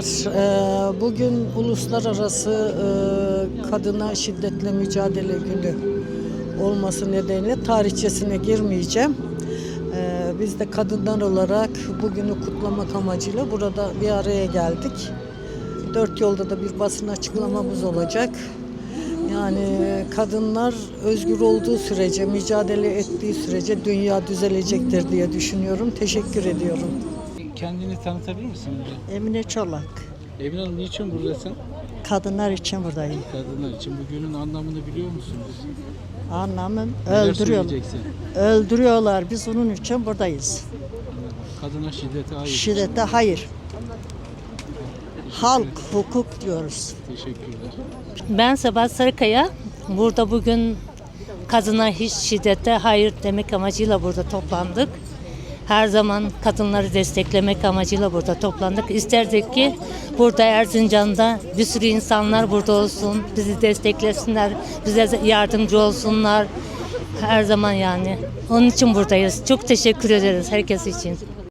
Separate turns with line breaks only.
Merhabalar. Bugün Uluslararası Kadına Şiddetle Mücadele Günü olması nedeniyle tarihçesine girmeyeceğim. Biz de kadınlar olarak bugünü kutlamak amacıyla burada bir araya geldik. Dört yolda da bir basın açıklamamız olacak. Yani kadınlar özgür olduğu sürece, mücadele ettiği sürece dünya düzelecektir diye düşünüyorum. Teşekkür ediyorum.
Kendini tanıtabilir misin bize?
Emine Çolak.
Emine Hanım niçin buradasın?
Kadınlar için buradayım.
Kadınlar için bu günün anlamını biliyor musunuz?
Anlamın
Neler
öldürüyorlar.
söyleyeceksin?
Öldürüyorlar. Biz onun için buradayız.
Kadına şiddete hayır.
Şiddete hayır. Halk, hukuk diyoruz.
Teşekkürler.
Ben Sebat Sarıkaya. Burada bugün kadına hiç şiddete hayır demek amacıyla burada toplandık. Her zaman kadınları desteklemek amacıyla burada toplandık. İsterdik ki burada Erzincan'da bir sürü insanlar burada olsun, bizi desteklesinler, bize yardımcı olsunlar. Her zaman yani. Onun için buradayız. Çok teşekkür ederiz herkes için.